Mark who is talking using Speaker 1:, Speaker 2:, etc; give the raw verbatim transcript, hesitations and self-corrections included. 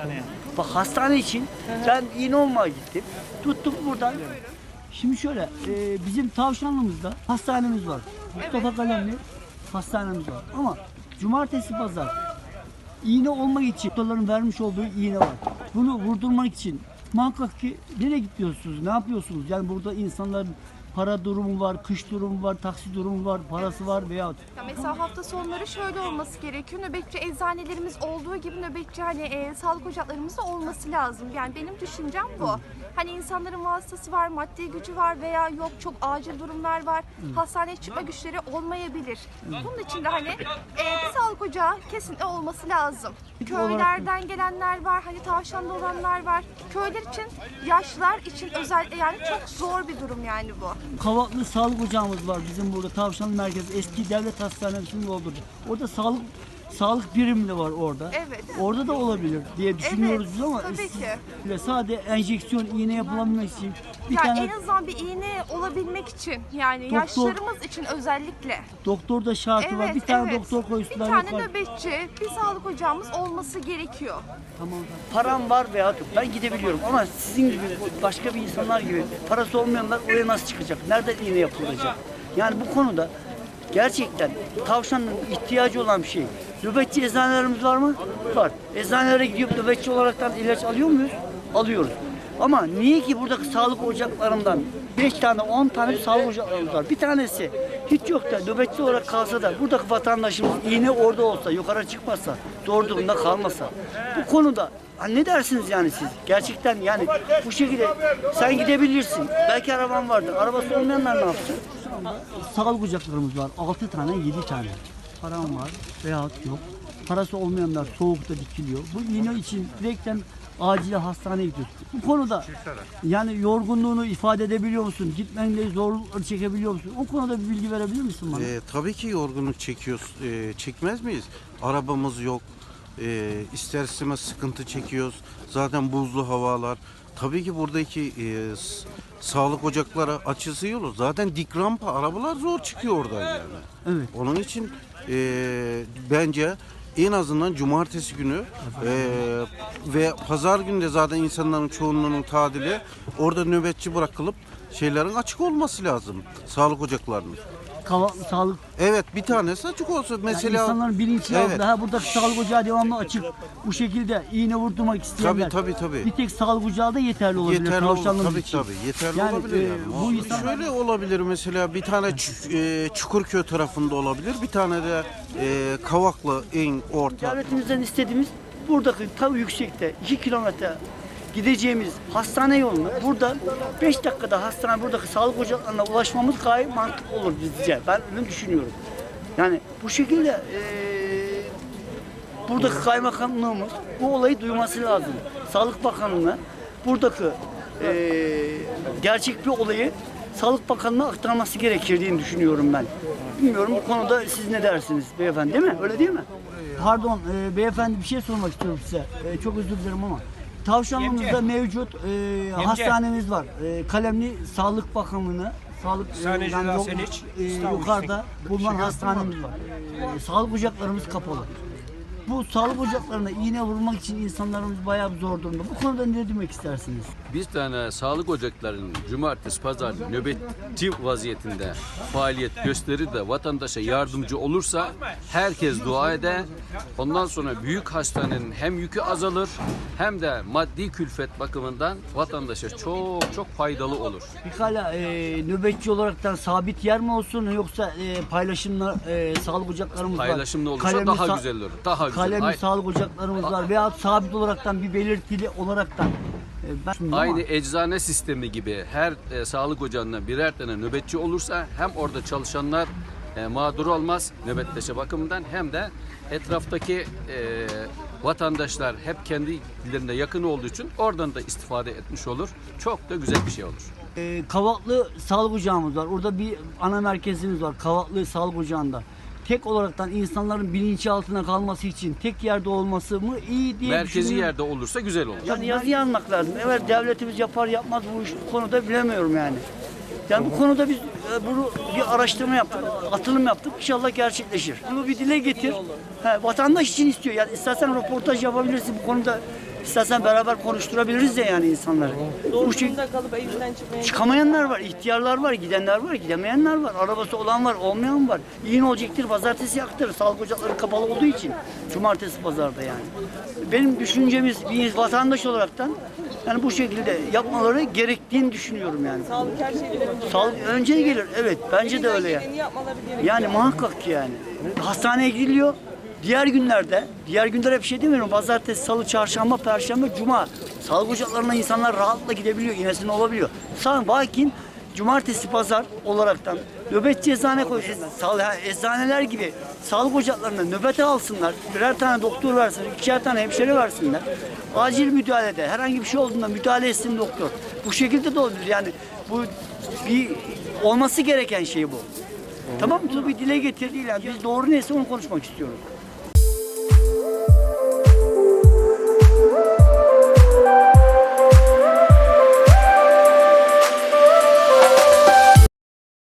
Speaker 1: hastaneye?
Speaker 2: Bak hastane için ben iğne olmaya gittim. Tuttum buradan. Şimdi şöyle, e, bizim Tavşanlımızda hastanemiz var. Mustafa Kalemli hastanemiz var. Ama cumartesi pazar iğne olmak için doktorların vermiş olduğu iğne var. Bunu vurdurmak için muhakkak ki nereye gidiyorsunuz, ne yapıyorsunuz? Yani burada insanların para durumu var, kış durumu var, taksi durumu var, parası var veya
Speaker 3: Ya mesela hafta sonları şöyle olması gerekiyor. Nöbetçi eczanelerimiz olduğu gibi nöbetçi hani e, sağlık ocaklarımız da olması lazım. Yani benim düşüncem bu. Hani insanların vasıtası var, maddi gücü var veya yok çok acil durumlar var. Hastaneye çıkma güçleri olmayabilir. Bunun için de hani e, bir sağlık ocağı kesinlikle olması lazım. Köylerden gelenler var, hani tavşanda olanlar var. Köyler için, yaşlılar için özellikle yani çok zor bir durum yani bu.
Speaker 2: Kavaklı sağlık ocağımız var bizim burada Tavşanlı Merkezi eski devlet hastanesinin olduğu. Orada sağlık sağlık birimi de var orada.
Speaker 3: Evet.
Speaker 2: Orada da olabilir diye düşünüyoruz biz ama
Speaker 3: tabii
Speaker 2: siz-
Speaker 3: ki.
Speaker 2: ve sadece enjeksiyon iğne yapılabilmek için bir
Speaker 3: Yani
Speaker 2: tane
Speaker 3: en azından bir iğne olabilmek için yani
Speaker 2: Doktor-
Speaker 3: yaşlılarımız için özellikle.
Speaker 2: doktor da şartı var. Bir tane
Speaker 3: evet.
Speaker 2: doktor koysunlar.
Speaker 3: Bir tane
Speaker 2: yukarı.
Speaker 3: nöbetçi, bir sağlık ocağımız olması gerekiyor.
Speaker 2: Tamam. Param var veya yok. Ben gidebiliyorum ama sizin gibi başka bir insanlar gibi parası olmayanlar oraya nasıl çıkacak? Nereden iğne yapılacak? Yani bu konuda gerçekten tavşanın ihtiyacı olan bir şey. Nöbetçi eczanelerimiz var mı? Var. Eczanelere gidip nöbetçi olaraktan ilaç alıyor muyuz? Alıyoruz. Ama niye ki buradaki sağlık ocaklarından beş tane on tane bir sağlık ocaklarımız var. Bir tanesi hiç yok da nöbetçi olarak kalsa da buradaki vatandaşımız iğne orada olsa, yukarı çıkmasa, zor durumda kalmasa. Bu konuda ha ne dersiniz yani siz? Gerçekten yani bu şekilde sen gidebilirsin. Belki araban vardır. Arabası olmayanlar ne yapsın? Sağlık ocaklarımız var. altı tane, yedi tane. Param var veyahut yok. Parası olmayanlar soğukta dikiliyor. Bu iğne için direkten acil hastaneye gidiyoruz. Bu konuda yani yorgunluğunu ifade edebiliyor musun? Gitmenle zorlukları çekebiliyor musun? O konuda bir bilgi verebilir misin bana?
Speaker 4: Ee, tabii ki yorgunluk çekiyoruz. Ee, çekmez miyiz? Arabamız yok. Ee, ister istemez sıkıntı çekiyoruz. Zaten buzlu havalar. Tabii ki buradaki e, s- sağlık ocakları açısı yolu. Zaten dik rampa. Arabalar zor çıkıyor oradan yani.
Speaker 2: Evet.
Speaker 4: Onun için e, bence en azından cumartesi günü e, ve pazar günü de zaten insanların çoğunluğunun tadili orada nöbetçi bırakılıp şeylerin açık olması lazım. Sağlık ocaklarının.
Speaker 2: Kava, sağlık
Speaker 4: Evet, bir tanesi açık olsa mesela.
Speaker 2: yani insanların bilinci
Speaker 4: Evet.
Speaker 2: altında. Ha buradaki sağlık ocağı devamlı açık. Bu şekilde iğne vurdurmak isteyenler.
Speaker 4: Tabii, tabii, tabii.
Speaker 2: Bir tek sağlık ocağı da yeterli olabilir.
Speaker 4: Yeterli olur,
Speaker 2: tavşanlığımız
Speaker 4: tabii
Speaker 2: için.
Speaker 4: tabii yeterli
Speaker 2: Yani,
Speaker 4: olabilir
Speaker 2: e,
Speaker 4: yani.
Speaker 2: bu insan-
Speaker 4: Şöyle olabilir mesela bir tane Ç- e, Çukurköy tarafında olabilir, bir tane de e, Kavaklı en orta.
Speaker 2: Devletimizden istediğimiz buradaki ta yüksekte iki kilometre gideceğimiz hastane yolunu burada beş dakikada hastane buradaki sağlık ocaklarına ulaşmamız gayet mantıklı olur bizce. Ben öyle düşünüyorum. Yani bu şekilde eee buradaki kaymakamlığımız bu olayı duyması lazım. Sağlık Bakanlığı'na buradaki eee, gerçek bir olayı Sağlık Bakanlığı'na aktarması gerekirdiğini düşünüyorum ben. Bilmiyorum bu konuda siz ne dersiniz beyefendi, değil mi? Öyle değil mi? Pardon e, beyefendi bir şey sormak istiyorum size. E, çok özür dilerim ama Tavşanlımızda mevcut e, hastanemiz var. E, Kalemli Sağlık Bakanlığı'na Sağlık e,
Speaker 1: Sahneciler,
Speaker 2: yok-
Speaker 1: Seniç,
Speaker 2: e,
Speaker 1: İstanbul.
Speaker 2: yukarıda bulunan hastanemiz var. E, sağlık ocaklarımız kapalı. Bu sağlık ocaklarına iğne vurmak için insanlarımız bayağı bir zor durumda. Bu konuda ne demek istersiniz?
Speaker 5: Bir tane sağlık ocaklarının cumartesi, pazar nöbetçi vaziyetinde faaliyet gösterir de vatandaşa yardımcı olursa herkes dua eder. Ondan sonra büyük hastanenin hem yükü azalır hem de maddi külfet bakımından vatandaşa çok çok faydalı olur.
Speaker 2: Pekala e, nöbetçi olaraktan sabit yer mi olsun yoksa e, paylaşımla e, sağlık ocaklarımız var.
Speaker 5: Paylaşımlı olursa
Speaker 2: Kalemli
Speaker 5: daha
Speaker 2: sa-
Speaker 5: güzel olur. Daha güzel.
Speaker 2: Kalemli
Speaker 5: Ay-
Speaker 2: sağlık ocaklarımız var veya sabit olaraktan bir belirtili olaraktan. E, ben şimdi
Speaker 5: Aynı
Speaker 2: ama
Speaker 5: eczane sistemi gibi her e, sağlık ocağında birer tane nöbetçi olursa hem orada çalışanlar e, mağdur olmaz nöbetleşe bakımından hem de etraftaki e, vatandaşlar hep kendilerine yakın olduğu için oradan da istifade etmiş olur. Çok da güzel bir şey olur.
Speaker 2: e, Kavaklı sağlık ocağımız var. Orada bir ana merkezimiz var. Kavaklı sağlık ocağında. Tek olaraktan insanların bilinci altına kalması için tek yerde olması mı iyi diye
Speaker 5: Merkezi
Speaker 2: düşünüyorum.
Speaker 5: yerde olursa güzel olur.
Speaker 2: Yani yazı yazmak lazım. Evet devletimiz yapar yapmaz bu iş bu konuda bilemiyorum yani. Yani bu konuda biz e, bunu bir araştırma yaptık, atılım yaptık. İnşallah gerçekleşir. Bunu bir dile getir. He, vatandaş için istiyor. Yani istersen röportaj yapabilirsin bu konuda. İstersen beraber konuşturabiliriz de yani insanları. Bu şey,
Speaker 1: Durumda kalıp evinden çıkmaya
Speaker 2: çıkamayanlar var, ihtiyarlar var, gidenler var, gidemeyenler var. Arabası olan var, olmayan var. İyi ne olacaktır? Pazartesi yaktır. Sağlık ocakları kapalı olduğu için. Cumartesi pazarda yani. Benim düşüncemiz bir vatandaş olaraktan yani bu şekilde yapmaları gerektiğini düşünüyorum yani.
Speaker 1: sağlık her şeyden önce.
Speaker 2: Sağlık önce gelir. Evet, bence de öyle yani.
Speaker 1: Geleni yapmaları gerekiyor.
Speaker 2: Yani muhakkak ki yani. Hastaneye gidiliyor. Diğer günlerde, diğer günler hep şey demiyorum. Pazartesi, salı, çarşamba, perşembe, cuma. Sağlık ocaklarına insanlar rahatla gidebiliyor, iğnesini olabiliyor. Sağ lakin cumartesi, pazar olaraktan nöbetçi eczane koysunlar. Sağ, yani eczaneler gibi sağlık ocaklarına nöbete alsınlar. Birer tane doktor versin, ikişer tane hemşire versinler. Acil müdahalede herhangi bir şey olduğunda müdahale etsin doktor. Bu şekilde de olabilir. Yani bu bir olması gereken şey bu. Tamam mı? Bir dile getirdiğiyle biz doğru neyse onu konuşmak istiyoruz.